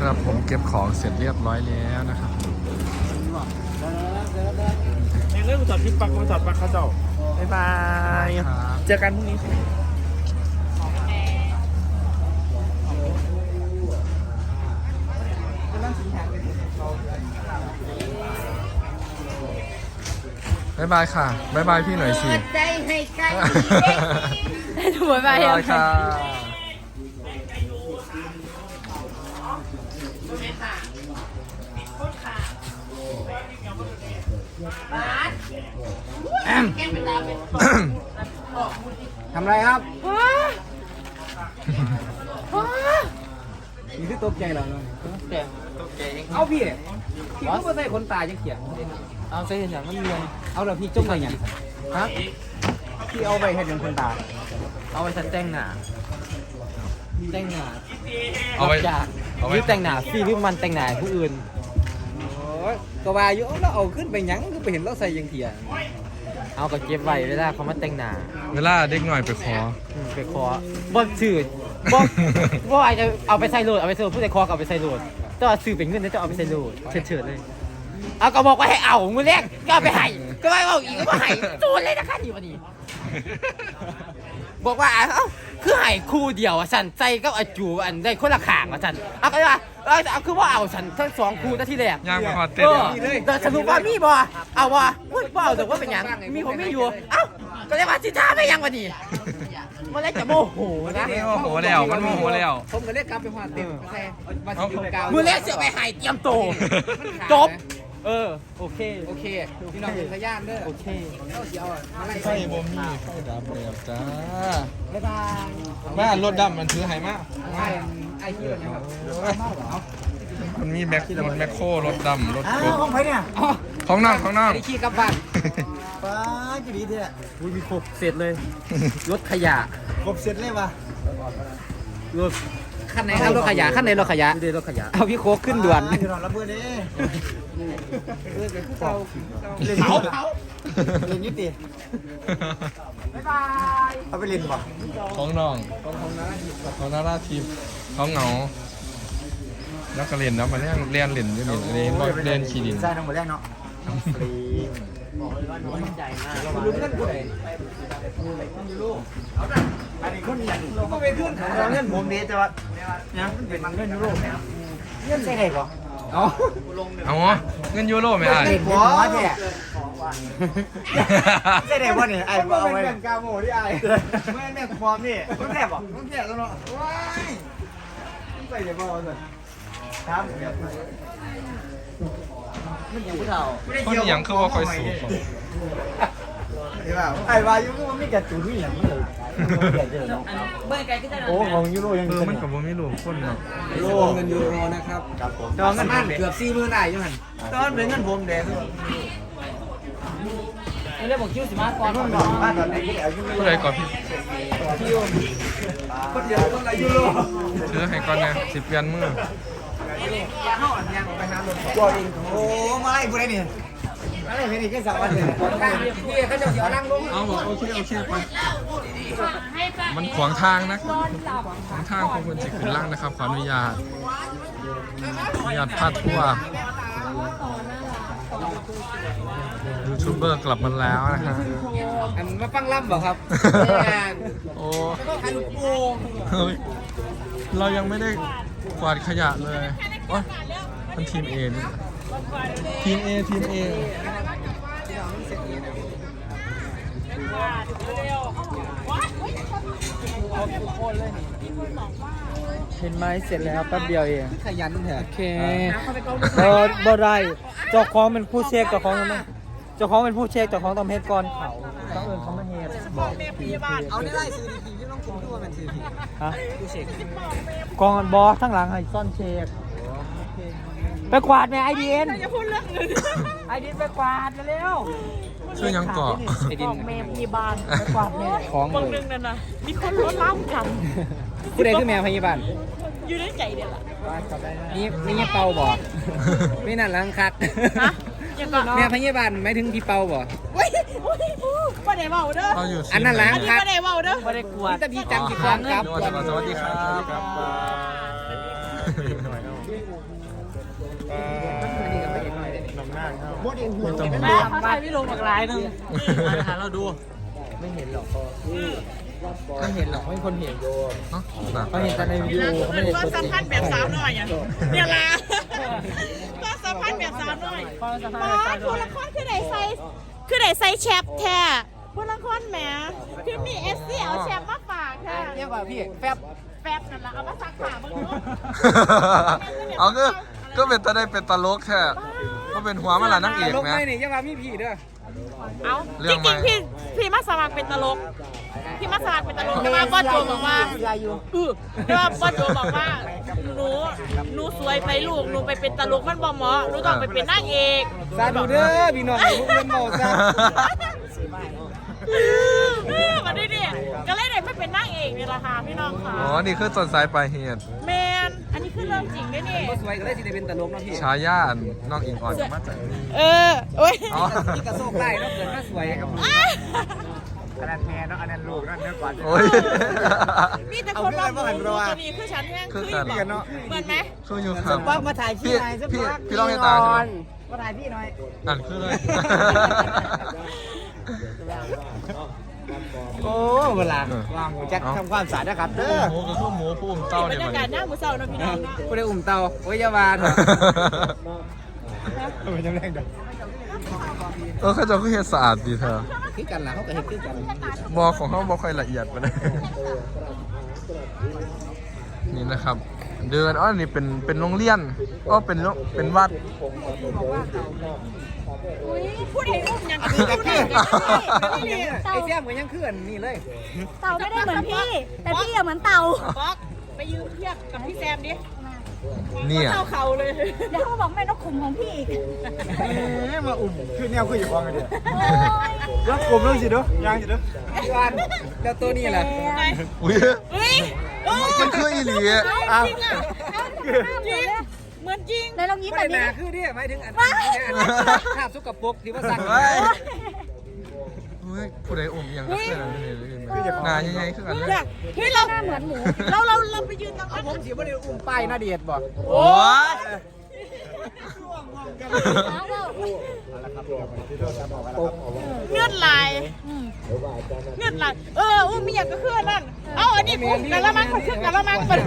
ครับผมเก็บของเสร็จเรียบร้อยแล้วนะครับในเรื่องจอดที่ปักมาจอดปักเขาเจ้าบ๊ายบายเจอกันพรุ่งนี้บ๊ายบายค่ะบ๊ายบายพี่หน่อยสิใจให้กันถูกไปบ๊ายบายค่ะทำไรครับนี่คือตกใจเหรอเอาพี่ก็ไม่ใส่คนตายจะเขียนเอาใส่อย่างนั้นเรียนเอาแล้วพี่จงไปอย่างฮะพี่เอาไปเห็นอย่างคนตายเอาไปฉันแต่งหน้าเอาไว้หรือแต่งหน้าพี่หรือมันแต่งหน้าผู้อื่นก็ว่าอยู่แล้วเอาขึ้นไปยังคือไปเห็นเราใส่ยังเถียเอาก็เก็บไว้เวลาเขามาแต่งหน้าเวลาเด็กหน่อยไปขอบ่ชื่อบ่อาจจะเอาไปใส่โหลดผู้ใส่คอเอาไปใส่โหลดแต่ว่าซื้อเป็นเงินแล้วจะเอาไปใส่โหลดเฉิดเลยเอาก็บอกว่าให้เอามือแรกก็เอาไปให้ก็ไม่เอาอีกก็ให้ตูนเลยนะคะนี่วันนี้บอกว่าเอ้าคือให้คู่เดียวฉันใจก็อาจูอันได้คนละข้างฉันเอาก็ว่าเอาคือว่าเอาฉันทั้งสองคู่ตั้งที่แรกย่างไปขอเต้นแต่สรุปว่ามีบ่เอาว่าบ่เอาแต่ว่าเป็นยังมีผมไม่อยู่เอ้าก็เลยว่าสิท่าไม่ยังวันนี้มันเลยจะโมโหนะโมโหแล้วมันโมโหแล้วผมก็เลยกลับไปหาเต็มแต่มาสิกาวมือแรกเสียไปหายเตรียมโตจบโอเคพี่น้องเป็นพยานเด้อโอเคเอาเสียวอะไรไฟบ่มีไฟดับแล้วจ้าบ๊ายบายมารถดำมันถือไหมาไอ้ที่นะครับมันมีแม็คโครรถดำรถกบของใครเนี่ยของน้องไอ้ขี้กลับบ้านป้าจะดีเถอะมีครบเสร็จเลยรถขยะครบเสร็จเลยวะรถขั้นไหนครับรถขยะขั้นไหนรถขยะเอาพี่โคกขึ้นด่วนรับเบอร์นี้เล่นนิดดิบ๊ายบายเอาไปเล่นป่ะของน้องของนาราทิพย์เขาเหงาแล้วก็เล่นแล้วมาเล่นอยู่นี่เล่นขี่ดินใช่ทั้งหมดแรกเนาะฟรีรู้เงินกูเลยอันนี้คนอย่างก็ไปขึ้นเงินผมดีแต่ว่าเนี่ยเป็นเงินยูโรเงินใช่ไหมก่อนเอาเงินยูโรไม่ได้หัวเนี่ยใช่ไหมวะเนี่ยไอ้เอาไว้เป็นกาโมที่ไอ้ไม่แม่ความนี่ต้องแผลป่ะต้องแผลแล้วเนาะว้ายใส่เดี๋ยวบอกเลยครับมันอยู่ที่เราคนอย่างคือว่าคอยสูบไอ้วายุก็มันไม่กระตุ้นอย่างนั้นเลยโอ้ของยูโรยังมันกับผมไม่รู้คนเนาะยูโรเงินยูโรนะครับตอนเงินเกือบ40,000ได้ยังไงตอนเป็นเงินผมแดงไม่ได้บอกคิวสิมาก่อนบ้านตอนนี้ผู้ใดก่อนพี่คนเดียวคนละยูโรซื้อให้ก่อนนะ10 เปลี่ยนมือตัวเองโอ้มาไล่ผู้ใดเนี่ยอะไรเป็นอีกแค่3 วันเลยพี่เขาจะเสียนั่งลงเอาบอกโอเคไปมันขวางทางนะขวางทางของคนจิตขึ้นล่างนะครับขออนุญาตพาดทั่วยูทูบเบอร์กลับมาแล้วนะฮะอันมาฟังล่ำบอกครับโอ้เรายังไม่ได้กวาดขยะเลยโอ้ยมันทีมเอนี่ทีมเอเห็นไหมเสร็จแล้วแป๊บเดียวเองขยันเถอะโอเคบ่ได้เจ้าของเป็นผู้เช็คเจ้าของเป็นผู้เช็คเจ้าของต้องเฮ็ดก่อนเขาต้องเอิ้นเขามาเฮ็ดบอกพยาบาลเอาได้ซื้อดีๆที่ต้องกินด้วยมันซื้อดีฮะผู้เช็คกองบอสทั้งหลังให้ซ่อนเช็คไปกวาดแม่ไอเดียนอย่าพูดเรื่องอื่นไอเดียนไปกวาดเร็วช่วยยังเกาะของแม่พยาบาลไปกวาดแม่ของบางนึงนั่นนะมีคนรถล้ำกันผู้ใดคือแม่พยาบาลอยู่ในใจเดียวล่ะนี่เป่าบ่ไม่นั่นลังคักแม่พยาบาลไม่ถึงพี่เป่าบ่ไม่ได้เมาเด้ออันนั้นลังคักไม่ได้เมาเด้อไม่ได้กวาดแต่พี่จังกี่ครั้งครับสวัสดีครับน้ำหน้าเข้าไม่ต้องแม่เขาถ่ายพี่ลงหลากหลายนึงหาเราดูไม่เห็นหรอกไม่เห็นหรอกไม่มีคนเห็นเนาะนะเขาเห็นแต่ในวิดีโอเขาไม่ได้ความสัมพันธ์แบบสาวน้อยอ่ะเนี่ยละความสัมพันธ์แบบสาวน้อยความสัมพันมาธ์แบบสาวน้ผู้อยละครคือไหนใส่แชปแท้ผู้ละครแหมคือมีเอสซี่เอาแชปมาฝากค่ะเรียกว่าพี่แฟบแป๊บนั่นละเอามาซักผ้าบ้างเนาะเอาก็เป็นตาได้เป็นตลกแค่ก็เป็นหัวมันละนักเอกลงไหมไม่นี่ยังว่ามีผีเด้อเอาเรื่จองใหม่ริงๆพี่มาสมัครเป็นตลกพี่มาสมัครเป็นตลกแต่ว่าบอสโจบอกว่าแต่ว่าบอสโจบอกว่าหนูสวยไปลูกหนูไปเป็นตลกมันบ่เหมาะหนูต้องไปเป็นนางเอกซาดูเด้อพี่น้องลูกเล่นเบาซะมาดิก็เลยได้ไปเป็นนางเอกนี่แหละค่ะพี่น้องค่ะอ๋อนี่คือต้นสายปลายเหตุแมนอันนี้คือเรื่องจริงด้วยนี่ก็สวยก็ได้สิได้เป็นตลกเนาะพี่ชายาน้องอิงอ่อนมาจากนี่โอ้ยอ๋อนี่กระโซกได้เนาะเกิดมาสวยครับอันนั้นแม่เนาะอันนั้นลูกนั่นเนื้อก่อนโอ้ยมีแต่คนรับรู้ตัวนี้คือฉันแห้งคือเหมือนไหมคืออยู่ครับว่ามาถ่ายพี่หน่อยสักพี่ลองให้ตาใช่ไหมมาถ่ายพี่หน่อยนั่นคือเลยโอ้เวลาว่างจะทำความสะอาดนะครับเด้อหมูก็คือหมูผู้อุ้มเต้าบรเนี่ยรมัยาน กาศหน้าหมูเศร้านะพี่น้องผู้ได้อุ่มเตาโอ้ยยาวาเถอะเป็นยังไงเด้อเขาจะคือเฮ็ดสะอาดดีเธอคือกันล่ะเขาก็เห็นคือกันบอของเขาบอค่อยละเอียดไปเลยนี่นะครับ เดินอ๋อนี่เป็นโรงเรียนก็เป็นวัดผู้ใดอุ้มยังกับคือผู้ใดไอ้เสี่ยมก็ยังคืออันนี่เลยเต่าไม่ได้เหมือนพี่ แต่พี่อะเหมือนเต่าป๊อกไปยืมเทียบกับพี่แซมดิเนี่ยเท่าเขาเลยเดี๋ยวเขาบอกแม่นกขุมของพี่อีกมาอุ่มคือแนวคืออยู่ฟังกันเดียวรับกลมแล้วสิเด้อยางสิเด้อพี่วันแล้วตัวนี้แหละอุ้ยเฮ้ยมันคืออีหลีเอาจริงอ่ะจริงเหมือนจริงในลองยิ้มไม่แบบได้นี้นาคือเนี่ยหมายถึงอันภาพสุกปรกที่ว่าสั่งเฮ้ยเฮ้ยผู้ใดอุ้มยังก็คืออะไรนี่หนาใหญ่ๆคือกันเลยเฮ้ยเราหน้าเหมือนหมูเราไปยืนตรงนั้นผมสีบ่ได้อุ้มป้ายหน้าเดียดบ่โอ้ยเงื่อนลายเงื่อนลายอุ้มมีอย่างก็คือนั่นเอาอันนี้อุ้มกันละมั้งคนขึ้นกันละมั้งมัน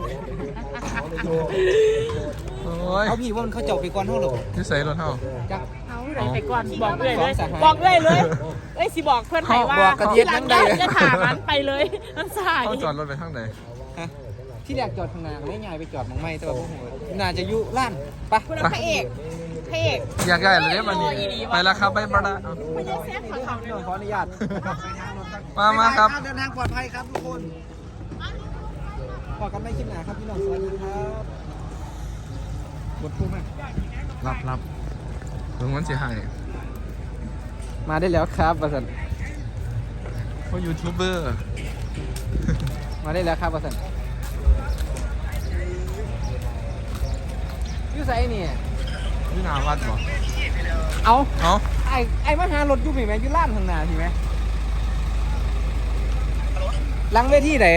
โอ้ยเขาพี่ว่ามันเขาเจาะไปก่อนเท่าหรอที่ใส่รถเท่าจักไปก่อนบอกเลยบอกเลยเอ้ยสิบอกเพื่อนไหนว่าที่หลังจะถามมันไปเลยมันสายเขาจอดรถไปทางไหนที่แรกจอดข้างหน้าไม่ง่ายไปจอดมองไม่แต่ว่าพวกผมน่าจะยุล้านปะคุณพระเอกอยากได้เลยเนี่ยมันนี่ไปแล้วครับไปบราเอาไม่ใช่แซ่บของเขาเนี่ยขออนุญาตมาครับเดินทางปลอดภัยครับทุกคนพอกันไม่คิดหนาครับพี่น้องสวัสดีครับบทพูดมากรับถึงวันเสียหายมาได้แล้วครับประสันเพราะยูทูบเบอร์มาได้แล้วครับประสันยูไซนี่นี่นาวัดบ่เอาเอ้าไอ้มาหารถยูมีไหมยูล้านข้างหน้าทีไหมหลังเวทีไหน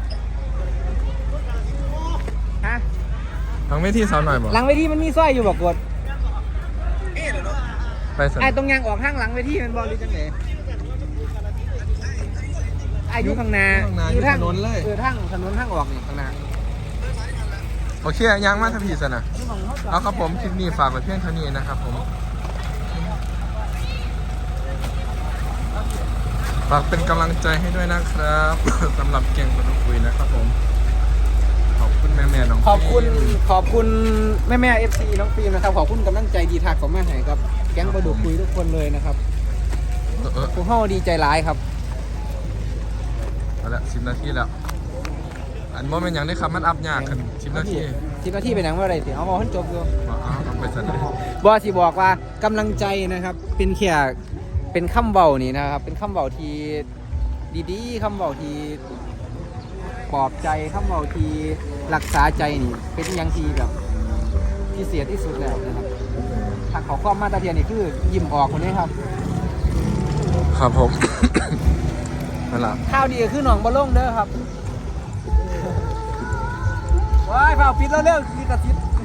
ฮะทางไม่ที่สาวหน่อยบ่หลังเวทีมันมีสร้อยอยู่บอกกดไปสันไอ้ตรงยางออกข้างหลังเวทีมันบอกดีจังเลยไอ้อยู่ข้างหน้าอยู่ทางถนนเลยทางถนนทางออกนี่ข้างหน้าโอเคยังมาทพีสนะเอาครับผมคลิปนี้ฝากไว้เพียงเท่านี้นะครับผมฝากเป็นกำลังใจให้ด้วยนะครับ สำหรับเก่งคนคุยนะครับผมขอบคุณแม่ๆน้องขอบคุณแม่ FC น้องฟิล์มนะครับขอบคุณกำลังใจดีทักของแม่ไหครับแก๊งประดุกคุยทุกคนเลยนะครับพวกเฮาดีใจร้ายครับเอาละ10 นาทีแล้วอันโมเมนต์อย่างนี้ครับมันอัพยากขึ้น10 นาที 10 นาทีเป็นหนังว่าอะไรสิเอาให้จบดูเอาไปสันบอสิบอกว่ากำลังใจนะครับเป็นแค่เป็นคำเบานี่นะครับเป็นคำเบาที่ดีๆคำเบาที่ปลอบใจคำเบาที่รักษาใจนี่เป็นอย่างที่แบบที่เสียที่สุดแล้วนะครับถ้าเขาข้อมาตรเทียนนี่คือยิ้มออกคนนี้ครับครับผม นั่นแหละข้าวดีก็คือหนองบะล่งเด้อครับว้ายเผาปิดแล้วเร็วมีกระซิบ